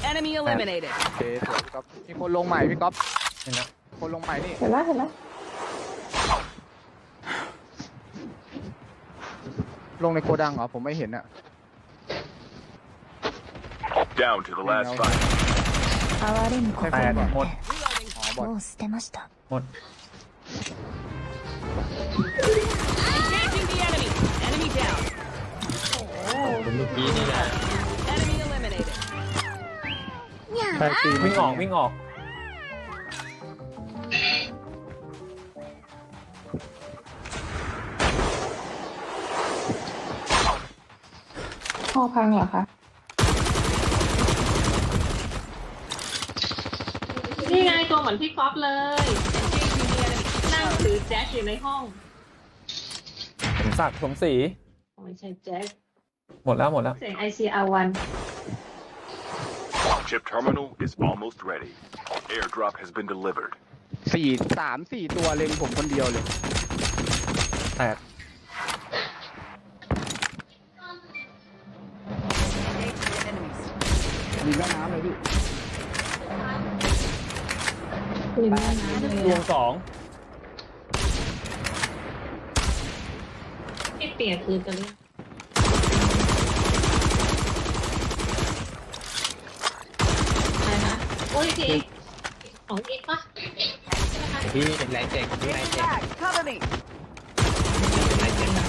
Enemy eliminated. โอเคสวยพี่ก๊อฟมีคนลงใหม่พี่ก๊อฟเห็นแล้วคนลงใหม่นี่เห็นแล้วเห็นแล้วลงในโกดังเหรอผมไม่เห็นอะ Down to the last fight. 哀れむ心แปดなんหมดてอ๋อบอดもう捨てましたหมด Engaging the enemy. Enemy down. ผมเมื่อกี้นี่แหละ Enemy eliminated. ใช่ตีวิ่งออกวิ่งออกพ่อพังเหรอคะนี่ไงตัวเหมือนพี่ก๊อฟเลย Engaging the enemy. นั่งถือแจ็คอยู่ในห้องสมศักดิ์สมศรีไม่ใช่แจ็คหมดแล้วหมดแล้วเสียง ICR1 Chip terminal is almost ready. Airdrop has been delivered. 4 ตัวเล็งผมคนเดียวเลยแตกมีแม่น้ำเลยพี่ริมแม่น้ำเลยดวงอะสองพี่เปียกคือจะเรียกอะไรนะโอ้ยพี่เอกของเอกปะใช่ไหมคะพี่แรงเจ็กพี่แรงเจ็ก Cover me. แรงเจ็กนะ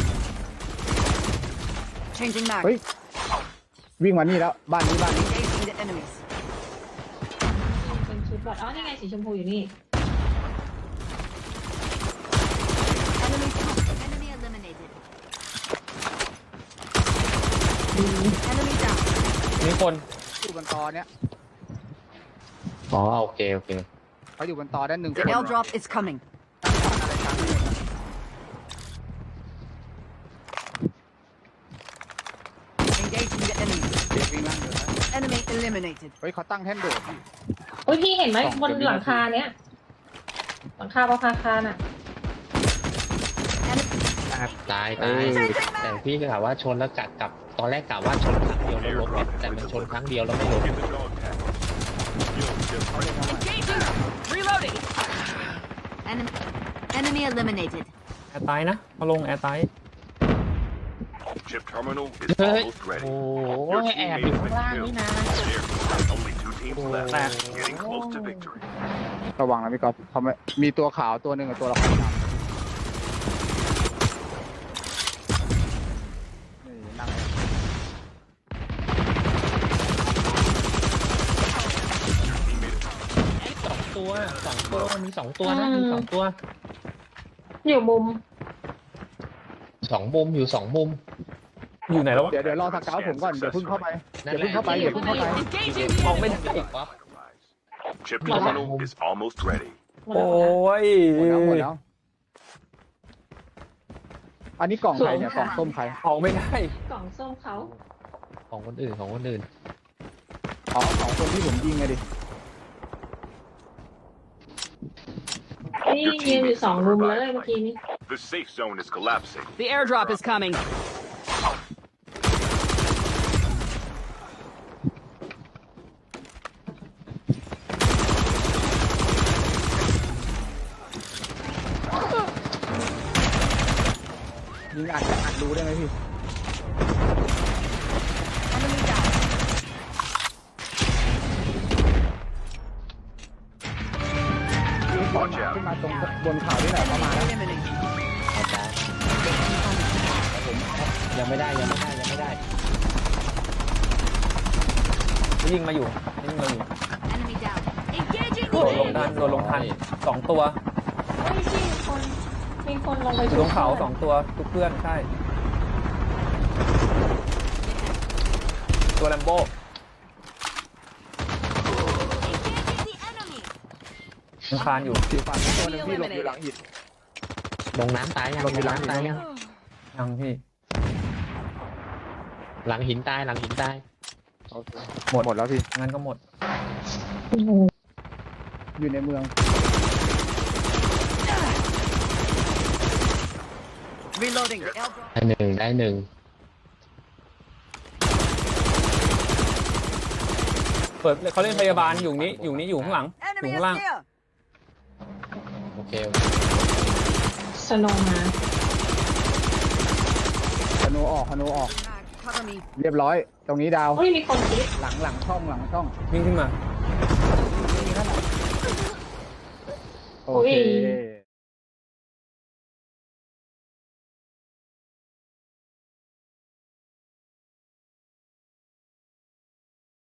Changing mag. เฮ้ยวิ่งมานี่แล้วบ้านนี้ Engaging the enemies. เป็นชุดบอดอ๋อนี่ไงสีชมพูอยู่นี่ Enemy eliminated Enemy down. มีคนอยู่บนตอเนี้ยอ๋อโอเคโอเคเขาอยู่บนตอด้านหนึ่ง The airdrop is coming. อะไรกลางถนนนะ Engaging the enemy. เด็กวิ่งล่างเลยนะ Enemy eliminated. เฮ้ยเขาตั้งแท่นโดดพี่โอ้ยพี่เห็นไหมบนหลังคาเนี้ยหลังคาประภาคารน่ะตายแต่พี่ก็กะว่าชนแล้วกลับตอนแรกกะว่าชนครั้งเดียวแล้วล้มเนี่ยแต่มันชนครั้งเดียวแล้วไม่ล้ม Get the dog tag. Yield chip Engaging. Reloading. Enemy eliminated แอร์ตายนะเขาลงแอร์ตาย Chip terminal is เฮ้ย almost โอ้ ready. โหแอบอยู่ข้างล่างนี่นะ Only 2 teams left. Getting close to victory. ระวังนะพี่ก๊อฟเขาไม่มีตัวขาวตัวหนึ่งกับตัวละครดำนี่นั่ง 2 ตัวมี 2 ตัวนะมี 2 ตัวอยู่มุม 2 มุมอยู่ 2 มุมอยู่ไหนแล้ววะเดี๋ยวรอสเกาต์ผมก่อนเดี๋ยวเพิ่งเข้าไปนั่เดี๋นยวแหละเพิ่งเข้าไปเดี๋ยวเพิ่งเข้าไป Engaging ม the องไม่ enemy. ได้ป๊อป Chip terminal is almost ready. หมดโอ้แล้วค่ะยหมดแล้วอันนี้กล่องใครเนี่ยกล่องส้มใครออกไม่ได้กล่องส้มเขาของคนอื่นของคนอื่นอ๋อของคนที่ผมยิงไงดินี่ยืนอยู่2มุมเลยเมื่อกี้นี้ The safe zone is collapsing. The airdrop is coming. ยิงอัดรู้ได้ไหมพี่ Enemy down. ขึ้นมาตรงบนเขาที่ไหนประมาณนั้น Eliminated. ยังไม่ได้ยิงมาอยู่ Enemy down Engaging โดนลงทัน2 ตัวเฮ้ยพี่มีคนลงไปอยู่ตรงเขา2 ตัวทุกเพื่อนใช่ ตัวแลมโบ้ Engaging the enemy ยังคานอยู่สีฟ้าตัวหนึงพี่หลบอยู่หลังหินลงน้ำตายยังลงอยู่หลังน้ำตายยังยังพี่หลังหินตายโอเคหมดแล้วพี่งั้นก็หมดอยู่ในเมือง Reloading. The airdrop. ได้หนึ่งเปิดเขาเล่นพยาบาลอยู่นี้อยู่ข้างหลังอยู่ข้างล่างโอเคสโนว์มาธนูออกเรียบร้อย ตรงนี้ดาวโอ้ยมีคนคิดหลังช่องวิ่งขึ้นมาโอเค